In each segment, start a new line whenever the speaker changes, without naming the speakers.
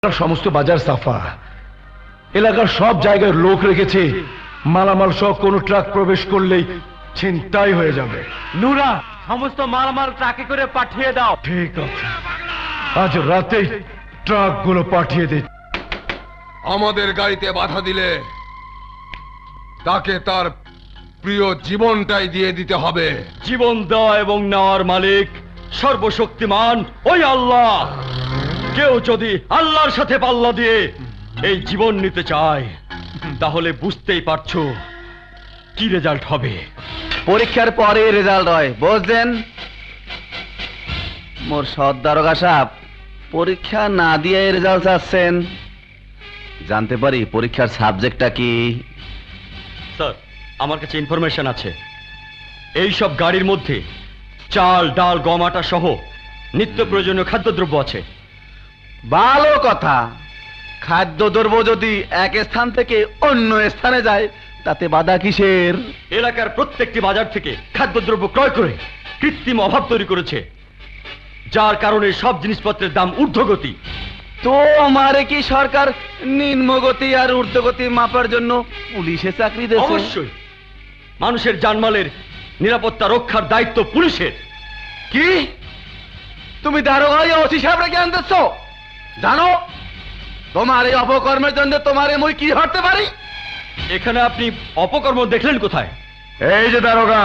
সমস্ত বাজার সাফা, এলাকার সব জায়গায় লোক রেখেছে। মালামাল সহ কোন ট্রাক প্রবেশ করলেই ছিনতাই হয়ে যাবে।
নুরা, সমস্ত মালামাল ট্রাকে করে পাঠিয়ে দাও।
ঠিক আছে, আজ রাতেই ট্রাকগুলো পাঠিয়ে দে।
আমাদের গাড়িতে বাধা দিলে তাকে তার প্রিয় জীবনটাই দিয়ে দিতে হবে।
জীবন দেওয়া এবং নেওয়ার মালিক সর্বশক্তিমান ওই আল্লাহ। কেউ যদি আল্লাহর সাথে পাল্লা দিয়ে এই জীবন নিতে চায় তাহলে বুঝতেই পারছো কি রেজাল্ট হবে।
পরীক্ষার পরে রেজাল্ট হয়, বুঝলেন? মোর সৎ দারোগা সাহেব পরীক্ষা না দিয়ে রেজাল্ট চাচ্ছেন, জানতে পারি পরীক্ষার সাবজেক্টটা কি?
স্যার, আমার কাছে ইনফরমেশন আছে। এই সব গাড়ির মধ্যে চাল, ডাল, গম, আটা সহ নিত্য প্রয়োজনীয় খাদ্যদ্রব্য আছে।
ভালো কথা। খাদ্যদ্রব্য যদি এক স্থান থেকে অন্য স্থানে যায় তাতে বাধা কিসের?
এলাকার প্রত্যেকটি বাজার থেকে খাদ্যদ্রব্য ক্রয় করে কৃত্রিম অভাব তৈরি করেছে, যার কারণে সব জিনিসপত্রের দাম ঊর্ধ্বগতি।
তো আমারে কি সরকার নিম্নগতি আর ঊর্ধ্বগতি মাপার জন্য পুলিশে চাকরি দেয়?
অবশ্যই। মানুষের জানমালের নিরাপত্তা রক্ষার দায়িত্ব পুলিশের।
কি তুমি দারোগা ওসি সাহেবরে জ্ঞান দিচ্ছ? জানো তোমার এই অপকর্মের জন্য তোমারে মুই কি হতে পারি?
এখানে আপনি অপকর্ম দেখলেন কোথায়?
এই যে দারোগা,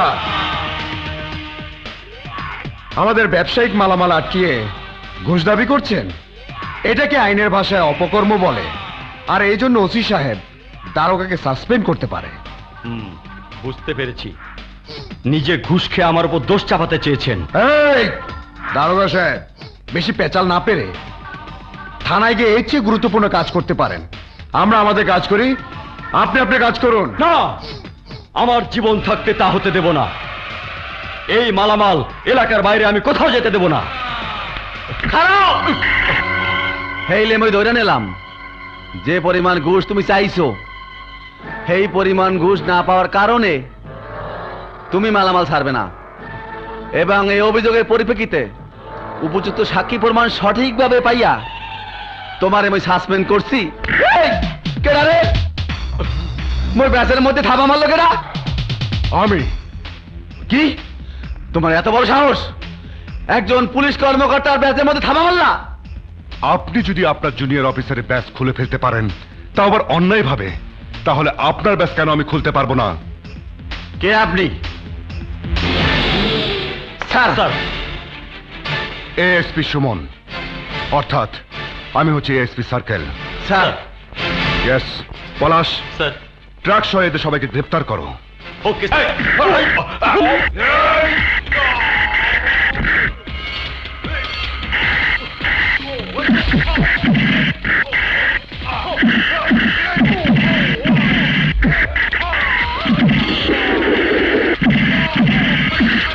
আমাদের ব্যবসায়িক মালামাল আটকিয়ে ঘুষ দাবি করছেন, এটাকে আইনের ভাষায় অপকর্ম বলে। আর এই জন্য ওসি সাহেব দারোগাকে সাসপেন্ড করতে পারে।
বুঝতে পেরেছি। নিজে ঘুষ খেয়ে আমার উপর দোষ চাপাতে চেয়েছেন।
এই দারোগা সাহেব, বেশি পেঁচাল না পেরে থানায় গিয়ে এর চেয়ে গুরুত্বপূর্ণ কাজ করতে পারেন। আমরা আমাদের কাজ করি, আপনি আপনার কাজ করুন।
না, আমার জীবন থাকতে তা হতে দেব না। এই মালামাল এলাকার বাইরে আমি কোথাও যেতে দেব না।
খারাপ হেইলে মই ধরে নিলাম যে পরিমাণ ঘুষ তুমি চাইছো, সেই পরিমাণ ঘুষ না পাওয়ার কারণে তুমি মালামাল ছাড়বে না, এবং এই অভিযোগের পরিপ্রেক্ষিতে উপযুক্ত সাক্ষী প্রমাণ সঠিকভাবে পাইয়া তোমারে মই সাসপেন্ড করছি। এই, কেডা রে? মোর ব্যাসের মধ্যে থাবা মারলো কেডা?
আমি।
কি তোমার এত বড় সাহস? একজন পুলিশ কর্মকর্তার ব্যাসের মধ্যে থাবা মারলা?
আপনি যদি আপনার জুনিয়র অফিসারের ব্যাস খুলে ফেলতে পারেন, তা আবার অন্যায় ভাবে, তাহলে আপনার ব্যাস কেন আমি খুলতে পারবো না?
কে আপনি? স্যার,
স্যার,
এএসপি সুমন, অর্থাৎ আমি হচ্ছি ASP circle.
Sir,
yes Palash,
sir.
Truck সহ এদের সবাইকে গ্রেফতার করো।
ওকে স্যার।